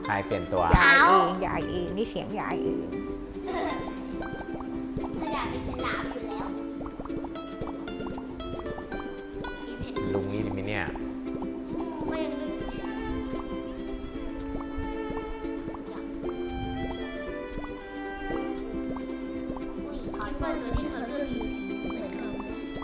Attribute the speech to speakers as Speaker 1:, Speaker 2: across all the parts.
Speaker 1: ใครเปลี่ยนตัวย
Speaker 2: ายเองยายเองนี่เสียงยายเอง
Speaker 3: ถ้าอยากเป็นฉลามอยู่แล้ว
Speaker 1: ลุงนี่ดิมิเนี่ย
Speaker 3: ก็ยังลึกอยู่สิอุ้ยขอโทษตัวที่เขาเลือกอยู่เหมือนเขา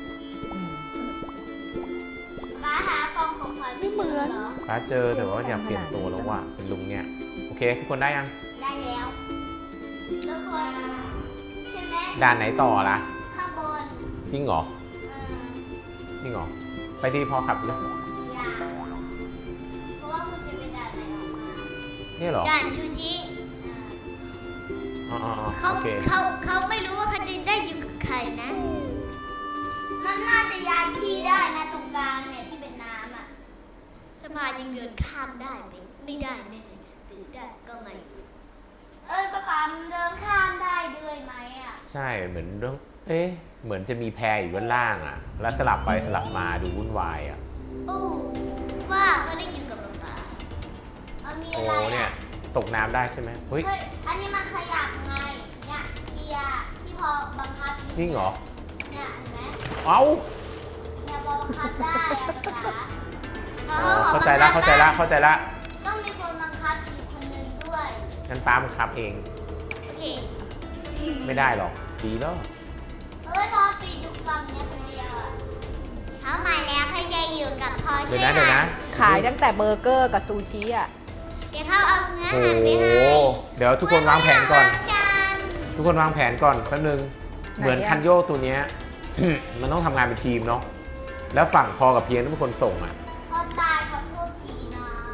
Speaker 3: ป้าหากล่องของขวัญไม่เหมือนเหรอ
Speaker 1: ป้าเจอแต่ว่าอยากเปลี่ยนตัวแล้วว่ะเป็นลุงเนี่ยโอเคทุกคนได้ยัง
Speaker 3: ได้แล้วทุกคนใช่ไหม
Speaker 1: ด่านไหนต่อล่ะ
Speaker 3: ข้างบน
Speaker 1: จริงเหรอ จริงเหรอไปที่พอขับเลย
Speaker 3: อย่าเพราะว่าคุณจะไปด่านไหนออกมา
Speaker 1: นี่เหรอ
Speaker 3: ด่านชูชิ
Speaker 1: อ๋อ
Speaker 3: เขา
Speaker 1: โอเค
Speaker 3: เขาไม่รู้ว่าเขาจะได้อยู่กับใครนะ มันน่าจะย้ายที่ได้นะตรงกลางเนี่ยที่เป็นน้ำอ่ะสบายยังเดินข้ามได้ไหมไม่ได้แน่หรือได้ก็ไม่ป้าปามเดินข้ามได้ด้วยไหมอ่ะ
Speaker 1: ใช่เหมือนเรื่องเหมือนจะมีแพอยู่ด้านล่างอ่ะ แล้วสลับไปสลับมาดูวุ่นวายอ่ะ
Speaker 3: โอ้ว่าก็ได้อยู่กับป้ามี
Speaker 1: โอ้
Speaker 3: อะไร
Speaker 1: เนี่ย
Speaker 3: อ่ะ
Speaker 1: ตกน้ำได้ใช่ไหมเฮ้ย
Speaker 3: อันนี้มันขยับไงเนี่ยเกียร์ที่พอบังคับ
Speaker 1: จริงเหรอ
Speaker 3: เนี่ยเห็นไหม
Speaker 1: เอ้า
Speaker 3: เนี่ยพอบังคับได้อะภาษา
Speaker 1: อ๋อเข้าใจละเข้าใจละเข้าใจละ
Speaker 3: ต้องมีคนบังคับอีกคนนึงด้วย
Speaker 1: งั้นป้ามันขับเอง
Speaker 3: โอเค
Speaker 1: ไม่ได้หรอกดีแล้ว
Speaker 3: พอตีอยู่ฝั่งเนี้ยคนเดียวอ่ะเขามาแล้วเขาจะอยู่กับพอ
Speaker 1: เดี๋
Speaker 3: ช่
Speaker 1: ยว วย นะเดี๋ยวนะ
Speaker 2: ขายตั้งแต่เบอร์เกอร์กับซูชิอ่ะ
Speaker 3: เดี๋ยวเขาเอาเนื้อ
Speaker 1: โอ้
Speaker 3: หั่นไป
Speaker 1: โห
Speaker 3: ให้
Speaker 1: เดี๋ยวทุกคนวางแผนก่อน
Speaker 3: ล้างจาน
Speaker 1: ทุกคนวางแผนก่อนแป๊บนึง
Speaker 2: ไหนอะ
Speaker 1: เหมือนคันโยกตัวเนี้ย มันต้องทำงานเป็นทีมเนาะ แล้วฝั่งพอกับเพียงต้องเป็นคนส่งอ่ะ
Speaker 3: พอตายเขาโทษทีนะ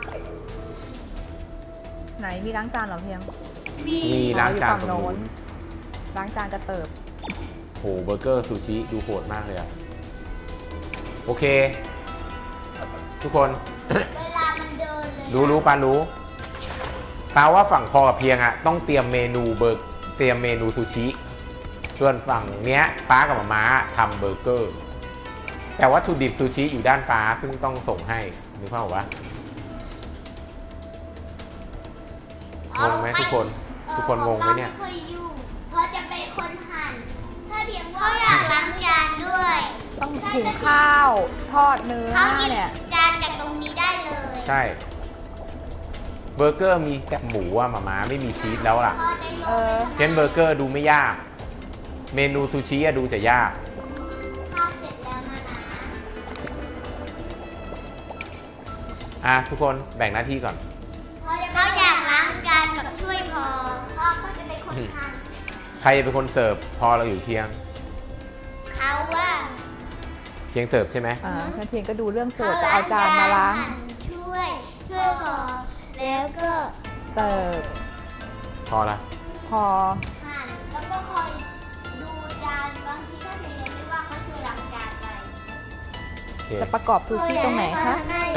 Speaker 2: ไหนมีล้างจานเหรอเพียง
Speaker 1: มีล้างจานตรง
Speaker 2: อยู่ฝั่งโน้
Speaker 1: นู้
Speaker 2: น
Speaker 1: น
Speaker 2: ล้างจานกระเติบ
Speaker 1: โหเบอร์เกอร์ซูชิดูโหดมากเลยอะโอเค ทุกคน
Speaker 3: เวลามันเดินเลย
Speaker 1: รู้ปารู้ปาว่าฝั่งพอกับเพียงอะต้องเตรียมเมนูเตรียมเมนูซูชิส่วนฝั่งเนี้ยป้ากับมาม่าทำเบอร์เกอร์ แต่วัตถุดิบซูชิอยู่ด้านป้าซึ่งต้องส่งให้นึกภาพออกปะงงไหมทุกคนงงไหมเนี่ย
Speaker 3: ไม่เคยยุ่งเพราะจะเป็นคนหั่นถ้าเพียงว่าเขาอยากล้างจานด้วย
Speaker 2: ต้องหุงข้าว ทอดเนื้อ
Speaker 3: เขาหยิบ
Speaker 2: เนี่ย
Speaker 3: จานจากตรงนี้ได้เลย
Speaker 1: ใช่เบอร์เกอร์มีแต่หมูอะมาม่าไม่มีชีสแล้วล่ะ
Speaker 3: พอจะยก
Speaker 2: เออ
Speaker 1: เพนเบอร์เกอร์ดูไม่ยาก เมนูซูชิอะดูจะยาก
Speaker 3: ข้าวเสร็จแล้วนะ
Speaker 1: ทุกคนแบ่งหน้าที่ก่อน
Speaker 3: เขาอยากล้างจานกับช่วยพอก็จะเป็นคนหั่น
Speaker 1: ใครจะเป็นคนเสิร์ฟพอเราอยู่เพียง
Speaker 3: เขาว่า
Speaker 1: เพียงเสิร์ฟใช่ไหม
Speaker 2: งั้นเพียงก็ดูเรื่องเสิร์ฟจะเอาจานมาล้าง
Speaker 3: ช่วยพอแล้วก็
Speaker 2: เสิร์ฟ
Speaker 1: พอละ
Speaker 2: พอ
Speaker 3: หั่นแล้วก็คอยดูจานบางทีถ้าเพียงยังไม่ว่างก็ช่วยล้างจานไป
Speaker 1: โอเค
Speaker 2: จะประกอบซูชิตรงไหนคะ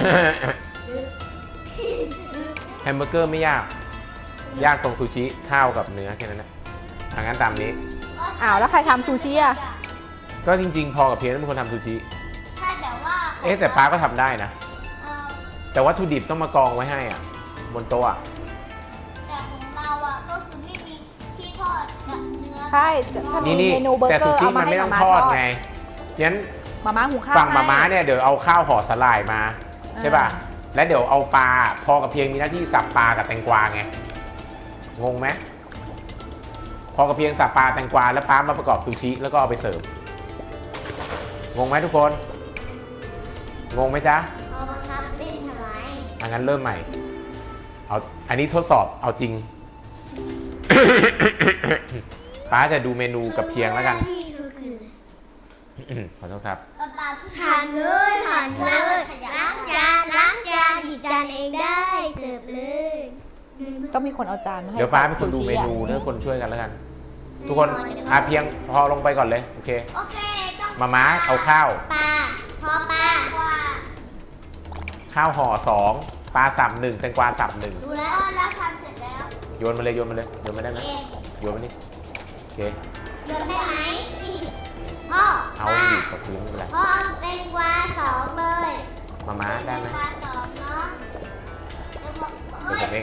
Speaker 1: แฮมเบอร์เกอร์ไม่ยาก ยากตรงซูชิข้าวกับเนื้อแค่นั้นแหละงั้นตามนี้
Speaker 2: อ้าวแล้วใครทำซูชิอ่ะ
Speaker 1: ก็จริงๆ พอกับเพียงต้องเป็นคนทำซูชิ
Speaker 3: ใช่แต่ว่า
Speaker 1: แต่ป้าก็ทำได้นะ
Speaker 3: เอ่อ
Speaker 1: แต่วัตถุดิบต้องมากองไว้ให้อ่ะ บนโต๊ะอะ
Speaker 3: แต่ของเราอ่ะก็คือไม่มีที่ทอดกับเนื้อ
Speaker 2: ใช่ถ้ามี
Speaker 1: นี่
Speaker 2: เมนูเบอร์
Speaker 1: แต่
Speaker 2: เกอ
Speaker 1: ซู
Speaker 2: ร์
Speaker 1: ชิ
Speaker 2: เอา
Speaker 1: มั
Speaker 2: มาน ให้
Speaker 1: ไม่ต้
Speaker 2: มา
Speaker 1: อง
Speaker 2: ม่า
Speaker 1: ทอด
Speaker 2: ทอด
Speaker 1: ไงงั้น
Speaker 2: มาม่าหุงข้าว
Speaker 1: ฝั่งมาม่า
Speaker 2: ให้
Speaker 1: เนี่ยเดี๋ยวเอาข้าวห่อสลายมา ใช่ป่ะ แล้วเดี๋ยวเอาปลาพอกับเพียงมีหน้าที่สับปลากับแตงกวาไง งงไหมพอกับเพียงสับปลาแตงกวาแล้วป้ามาประกอบซูชิแล้วก็เอาไปเสิร์ฟ งงไหมทุกคน งงไหมจ๊ะ
Speaker 3: พอบังคับเป็นทำไม
Speaker 1: งั้นเริ่มใหม่ อันนี้ทดสอบเอาจริง ป้าจะดูเมนูกับเพียงแล้วกัน ขอโทษครับ
Speaker 3: หั่นเลยล้างจานหยิบจานเองได้เสิร์ฟเลย
Speaker 2: ต้องมีคนเอาจานมาให้
Speaker 1: เดี๋ยวฟ้าเป็นคนดู
Speaker 2: ซูชิ
Speaker 1: เม
Speaker 2: อะ
Speaker 1: นูแล้วคนช่วยกันแล้วกัน ทุกคนเพียงพอลงไปก่อนเลย โอเค
Speaker 3: โอเคต้อง
Speaker 1: มาม้าเอาข้าว
Speaker 3: ปลาพอปลา
Speaker 1: ข้าวห่อสองปลาสับหนึ่งแตงกวาสับหนึ่ง
Speaker 3: ดูแล้วแล้วทำเสร็จแล้ว
Speaker 1: โยนมาเลยโยนมาเลยโยนมาได้ไหม
Speaker 3: เอง
Speaker 1: โยนมานี่โอเค
Speaker 3: โยนได้ไหมพ่อ
Speaker 1: เอา
Speaker 3: ปลา
Speaker 1: อยู่กับพื้นไม่เป็นไร
Speaker 3: พ่อเอาแตงกวา2เลย
Speaker 1: มาม้าได้ไหม
Speaker 3: แตงกวา2เนาะ
Speaker 1: เดี๋ยวผมเอง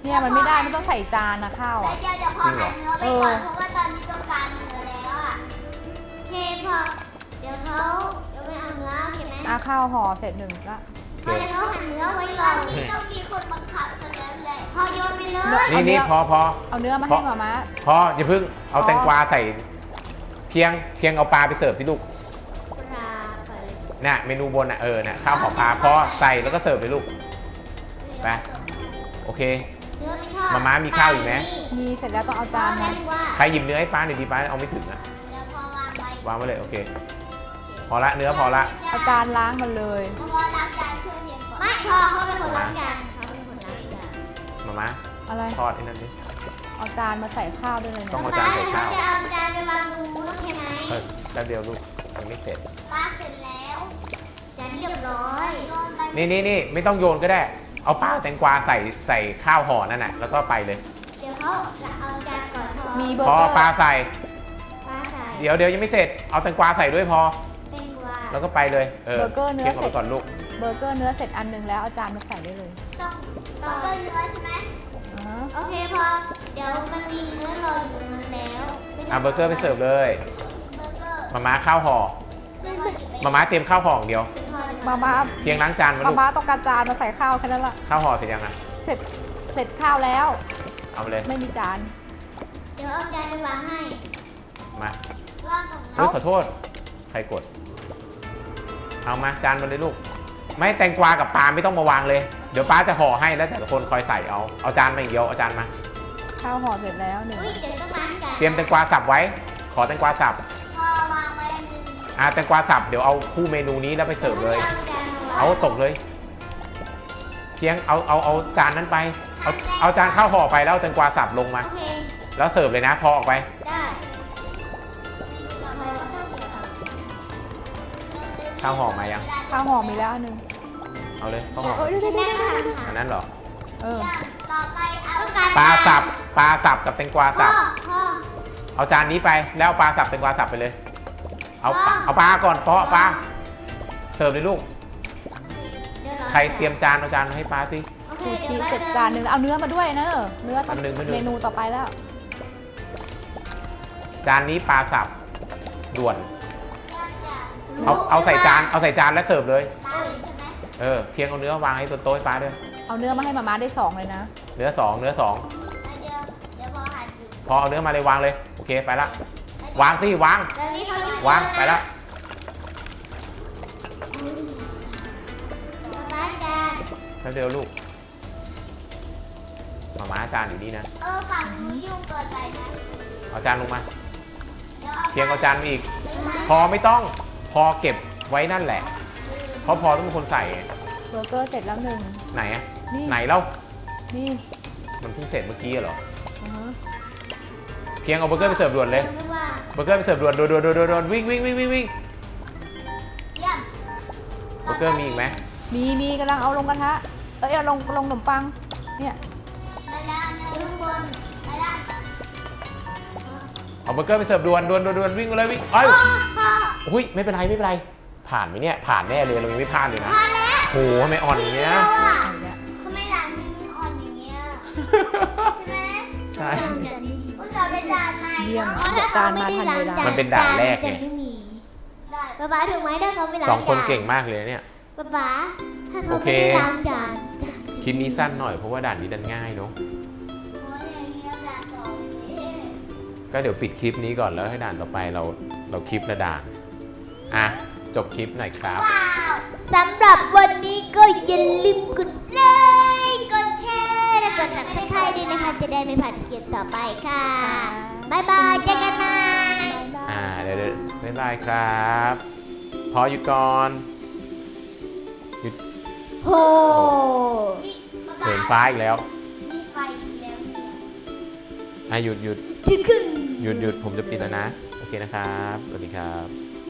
Speaker 2: เนี่ยมันไม่ได้มันต้องใส่จานนะข้าว
Speaker 3: แล้ว
Speaker 2: อ่ะ
Speaker 3: เดี๋ยวพ่อหั่นเนื้อไปก่อนเพราะว่าตอนนี้ต้องการเนื้อแล้วอ่ะโอเคพอเดี๋ยวเขาไม่เอาเนื้อโอเคไหม
Speaker 2: ข้าวห่อเสร็จหนึ่งละ
Speaker 1: โอเค
Speaker 3: เดี๋ยวเขาหั่นเนื้อไว้ก่อนนี่ต้องมีคนบังคับซะแล้วแหละพอโยนไปเลย
Speaker 1: นี่พอ
Speaker 2: เอาเนื้อมาให้มาม่า
Speaker 1: พออย่าเพิ่งเอาแตงกวาใส่เพียงเอาปลาไปเสิร์ฟสิลูก
Speaker 3: ปลาไป
Speaker 1: น่ะเมนูบนน่ะน่ะข้าวห่อปลาพอใส่แล้วก็เสิร์ฟเลยลูก ไป โอเค
Speaker 3: เนื้อไม่ทอด
Speaker 1: มาม่ามีข้าวอีกไหม
Speaker 2: มีเสร็จแล้วต้องเอา
Speaker 3: จา
Speaker 2: จาน น
Speaker 3: มา
Speaker 2: มา
Speaker 1: ใครหยิบเนื้อให้ป้าหน่อยดีป้าเอาไม่ถึงอ่ะ
Speaker 3: เดี๋ยวพอวางไว้
Speaker 1: วางไว้เลยโอเค พอละเนื้อพอละ
Speaker 2: เอาจานล้างมันเลย
Speaker 3: พอล้างจานช่วยเพียงก่อนไม่พอเขาเป็นคนล้างจานเขาเป็นคนล้างจาน
Speaker 1: มาม่า
Speaker 2: อะไร
Speaker 1: ทอดไอ้นั่นดิ
Speaker 2: เอาจานมาใส่ข้าวด้วยเลย
Speaker 1: ต้อ
Speaker 2: เนี่
Speaker 1: ง
Speaker 2: ย
Speaker 1: เอาจานใส่ข้าว
Speaker 3: จะเอาจานไปวางตรงนู้นโอเคไหม
Speaker 1: แป๊บเดียวลูกยังไม่เสร็จ
Speaker 3: ป้าเสร็จแล้วจานเรียบร้อยโยนไป
Speaker 1: นี่ไม่ต้องโยนก็ได้ เอาปลาแตงกวาใส่ข้าวห่อนั่นน่ะแล้วก็ไปเลย
Speaker 3: เดี๋ยวเขาจะเอาจานก่อนพอ
Speaker 2: มีเบอ
Speaker 1: พ
Speaker 2: ร์
Speaker 1: อ
Speaker 2: เกอร์
Speaker 1: ปลาใส่
Speaker 3: ป้าใส่
Speaker 1: เดี๋ยวยังไม่เสร็จ เอาแตงกวาใส่ด้วยพอ
Speaker 3: เป็นว่า
Speaker 1: แล้วก็ไปเลย
Speaker 2: เบอร์เกอร์เนื้อ
Speaker 1: เคี่ยง
Speaker 2: เสร็
Speaker 1: เอา
Speaker 2: จ
Speaker 1: ไปก่อนลูก
Speaker 2: เบอร์เกอร์เนื้อเสร็จอันหนึงแล้วเอาจานมาใส่ได้เลย
Speaker 3: ต้องเนื้อใช่ไหม
Speaker 2: อ่าฮะ
Speaker 3: โอเคพอเดี๋ยวมันมีเนื้อรออยู่มันแล้ว
Speaker 1: เบอร์เกอร์ไปเสิร์ฟเลย
Speaker 3: เบอร์เกอร์
Speaker 1: มาม่าข้าวห่อ
Speaker 3: ไม่พอดีไป
Speaker 1: มาม่าเตรียมข้าวห่ออย่างเดียว
Speaker 2: มาม่า
Speaker 1: เพียงล้างจานมา
Speaker 2: มา
Speaker 1: ลูก
Speaker 2: ม่าต้องการจานมาใส่ข้าวแค่นั้นละ
Speaker 1: ข้าวห่อเสร็จยังอ่ะ
Speaker 2: เสร็จข้าวแล้ว
Speaker 1: เอาไปเลย
Speaker 2: ไม่มีจาน
Speaker 3: เดี๋ยวเอาจานไปวางให้
Speaker 1: มา
Speaker 3: วางตรง
Speaker 1: เฮ้ยขอโทษ ใครกด เอามาจานมาเลยลูก ไม่แตงกวากับปลาไม่ต้องมาวางเลย เดี๋ยวป้าจะห่อให้แล้วแต่ละคนคอยใส่เอาจานมาอย่างเดียวเอาจานมา
Speaker 2: ข้าวห่อเสร็จแล้วหนึ่ง
Speaker 3: อุ้ยเดี๋ยวต้องล้างจาน
Speaker 1: เตรียมแตงกวาสับไว้ ขอแตงกวาสับ
Speaker 3: พอวางไว้อันหนึง
Speaker 1: แตงกวาสับเดี๋ยวเอาคู่เมนูนี้แล้วไปเสิร์ฟเลย เอาตกเลย เพียงเอาจานนั้นไป เอาจานข้าวห่อไปแล้วเอาแตงกวาสับลงมา
Speaker 3: โอเค
Speaker 1: แล้วเสิร์ฟเลยนะพอออกไป
Speaker 3: ได้
Speaker 1: ข้าวห่อมายัง
Speaker 2: ข้าวห่อมีแล้วอันหนึง
Speaker 1: เอาเลยข้าวห่อ
Speaker 2: เฮ้ยเดี๋ยว
Speaker 3: แม่
Speaker 2: ๆ
Speaker 3: ค่ะ
Speaker 1: อันนั้นเหรอ
Speaker 2: เออ
Speaker 3: ต่อไปเอาต้องการ
Speaker 1: ปลาสับกับแตงกวาสับ
Speaker 3: พ่อ
Speaker 1: เอาจานนี้ไปแล้วเอาปลาสับแตงกวาสับไปเลย เอาปลาก่อนเพาะปลาเสิร์ฟเลยลูก
Speaker 3: เดี๋ยว
Speaker 1: ใครเตรียมจานเอาจานมาให้ปลาสิ
Speaker 3: โอเค
Speaker 2: ซู
Speaker 3: เดี๋ยว
Speaker 2: ชิเสร็จจานหนึ่งแล้วเอาเนื้อมาด้วยนะเนื้อต้อง
Speaker 1: แป๊บนึง
Speaker 2: เมนูต่อไปแล้ว
Speaker 1: จานนี้ปลาสับด่วน เอาใส่จานแล้วเสิร์ฟเลย
Speaker 3: ใช่ไหม
Speaker 1: เพียงเอาเนื้อวางให้โต๊ะให้ปลาด้วย
Speaker 2: เอาเนื้อมาให้มาม่าได้2เลยนะ
Speaker 1: เนื้อสอง
Speaker 3: เดี๋ยวพอหั่นอยู่
Speaker 1: พอเอาเนื้อมาเลยวางเลยโอเคไปละวางสิวาง
Speaker 3: แล้วนี่เขาอยู่
Speaker 1: วางไปละ
Speaker 3: ป้าจาน
Speaker 1: แป๊บเดียวลูกมาม่าจานอยู่นี่นะ
Speaker 3: ฝั่งนู้นยุ่งเกินไปนะ
Speaker 1: เอาจานลงมา
Speaker 3: ดี๋ยว
Speaker 1: เพียงเอาจานมาอีก พอไม่ต้องพอเก็บไว้นั่นแหละ เพราะพอต้องเป็นคนใส่ไง
Speaker 2: เบอร์เกอร์เสร็จแล้วหนึ่ง
Speaker 1: ไหนอะ
Speaker 2: นี่
Speaker 1: ไหนเล่า
Speaker 2: นี่
Speaker 1: มันเพิ่งเสร็จเมื่อกี้เหรอ
Speaker 2: อือฮะ
Speaker 1: เพียงเอาเบอร์เกอร์ไปเสิร์ฟด่วนเลย
Speaker 3: ไม่ว่า
Speaker 1: เบอร์เกอร์ไปเสิร์ฟด่วนวิ่ง
Speaker 3: เยี่ยม
Speaker 1: เบอร์เกอร์มีอีกไหม
Speaker 2: มีกำลังเอาลงกระทะเอาลงขนมปังเนี่ย
Speaker 3: ไปแล้วข้างบนไปแล้ว
Speaker 1: เอาเบอร์เกอร์ไปเสิร์ฟด่วนวิ่งมาเลยวิ่งเอ้ย
Speaker 3: พ่อ
Speaker 1: อุ้ยไม่เป็นไรผ่านไหมเนี่ยผ่านแน่เลยเรายังไม่พลาดเลยนะ
Speaker 3: พอแล้ว
Speaker 1: โหทำไมอ่อนอย่างเงี้ย
Speaker 2: เอาเนี่ย
Speaker 3: ทำไมหลังมืออ่อนอย่างเงี้ยใช่ไหม
Speaker 1: ใช่
Speaker 3: อุตส่าห์ไปด่านใหม่
Speaker 2: เยี่ยม
Speaker 3: อ๋อถ้
Speaker 2: จานมาทันเวลา
Speaker 1: มันเป็นด่านแรกไง
Speaker 3: จะไม่มีป๊าป๊าถึงไหมถ้าเขาไม่ล้าง
Speaker 1: สอง
Speaker 3: จาน
Speaker 1: คนเก่งมากเลยเนี่ย
Speaker 3: ป๊าถ้าเขา
Speaker 1: โอเค
Speaker 3: ไม่ได้ล้างจาน
Speaker 1: คลิปนี้สั้นหน่อยเพราะว่าด่านนี้ดันง่ายเนาะ
Speaker 3: โอ้ยอย่างเงี้ยด่านต่อไปเลย
Speaker 1: ก็เดี๋ยวปิดคลิปนี้ก่อนแล้วให้ด่านต่อไปเราคลิปละด่านอ่ะจบคลิปหน่อยครับ
Speaker 3: ว้าวสำหรับวันนี้ก็อย่าลืมกดไลค์กดแชร์และกด subscribe ด้วยนะคะ จะได้ไม่พลาดคลิปต่อไปค่ะบ๊ายบายเจอกันใหม่
Speaker 2: บ๊ายบาย
Speaker 1: เดี๋ยวบ๊ายบายครับ พอหยุดก่อนหยุด
Speaker 3: โห
Speaker 1: เหินฟ้าอีกแล้ว
Speaker 3: มีไฟอีกแล้วเนี่ย
Speaker 1: หยุด
Speaker 3: ชิคขึ้น
Speaker 1: ผมจะปิดแล้วนะโอเคนะครับสวัสดีครับ